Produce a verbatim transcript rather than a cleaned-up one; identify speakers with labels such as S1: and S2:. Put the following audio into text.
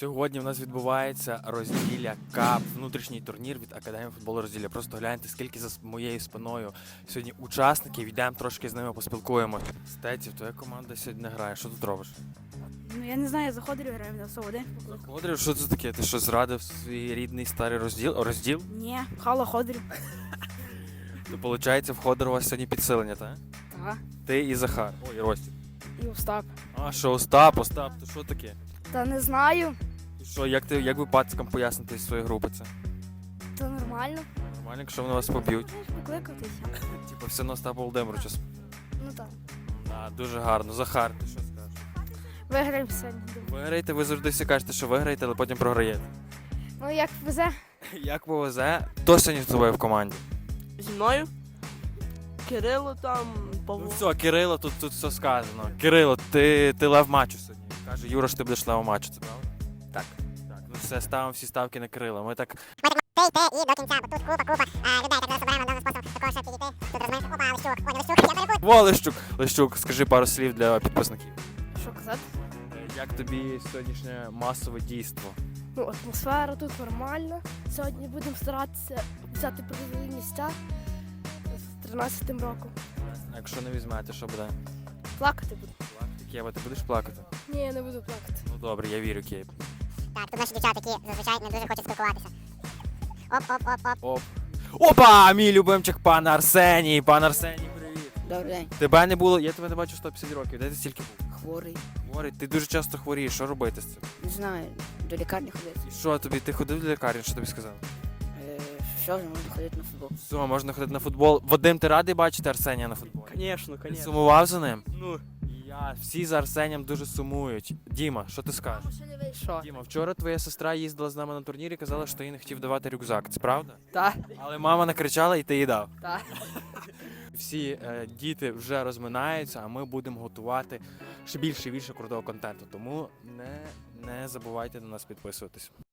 S1: Сьогодні в нас відбувається розділля КАП, внутрішній турнір від Академії футболу розділля. Просто гляньте, скільки за моєю спиною сьогодні учасників, йдемо трошки з ними поспілкуємося. Стеців, твоя команда сьогодні не грає, що тут робиш?
S2: Ну я не знаю, я заходив граю на один.
S1: Ходорів, що це таке? Ти що, зрадив свій рідний старий розділ? Розділ?
S2: Ні, хало ходив.
S1: То виходить, в Ходору у вас сьогодні підсилення, так?
S2: Ага.
S1: Ти і Захар. Ой, і Ростік.
S2: І Остап.
S1: А, що, Остап, Остап, то що таке?
S2: Та не знаю.
S1: І що, як ти, як ви пацкам поясните з своєї групи це?
S2: Та нормально.
S1: Нормально, якщо вони вас поб'ють?
S2: Можеш покликатися.
S1: Типу, все на Остапа Володимировича.
S2: Ну так.
S1: Да, дуже гарно. Захар, ти що скажеш?
S2: Виграємо сьогодні.
S1: Виграєте, ви завжди всі кажете, що виграєте, але потім програєте.
S2: Ну як везе?
S1: Як повезе, хто сьогодні з тобою в команді?
S3: Зі мною? Кирило там,
S1: Ну
S3: Павло.
S1: все, Кирило, тут, тут все сказано. Кирило, ти, ти лев матчу сьогодні. Каже Юра, що ти будеш левом матчу, це правда?
S3: Так.
S1: Так, ну все, ставимо всі ставки на Кирила. Ми так.
S4: Ти йти і до кінця, бо тут купа, купа а, людей, так зараз оберемо даним способом такого, щоб підійти. Тут розумієш, опа, Лещук, о, Лещук, я перепутав.
S1: Во, Лещук! Лещук, скажи пару слів для підписників.
S2: Що казати?
S1: Е, Як тобі сьогоднішнє масове дійство?
S2: Ну, атмосфера тут нормальна. Сьогодні будемо старатися взяти призові місця з тринадцятим роком.
S1: А якщо не візьмете, що буде?
S2: Плакати буду.
S1: Плакати, Кєва, ти будеш плакати?
S2: Ні, я не буду плакати.
S1: Ну добре, я вірю, Кєв.
S4: Так, тут наші дівчата, які зазвичай не дуже хочуть спілкуватися. Оп, оп, оп, оп.
S1: Оп. Опа! Мій любимчик, пан Арсеній! Пан Арсеній, привіт!
S5: Добрий день.
S1: Тебе не було, я тебе не бачу сто п'ятдесят років. Де ти стільки був?
S5: Хворий.
S1: Хворий, ти дуже часто хворієш, що робити з цим?
S5: Не знаю, до лікарні ходити.
S1: І що тобі, ти ходив до лікарні, що тобі сказали?
S5: Е, що вже можна ходити на футбол?
S1: Все, можна ходити на футбол. Вадим, ти радий бачити Арсенія на футболі?
S3: Конечно,
S1: Ти
S3: конечно.
S1: сумував за ним?
S3: Ну,
S1: І я, всі за Арсенієм дуже сумують. Діма, що ти скажеш?
S2: Що?
S1: Діма, вчора твоя сестра їздила з нами на турнір і казала, що ти їй не хотів давати рюкзак. Це правда?
S5: Так.
S1: Але мама накричала і ти їй дав.
S5: Так.
S1: Всі е, діти вже розминаються, а ми будемо готувати ще більше і більше крутого контенту. Тому не, не забувайте на нас підписуватись.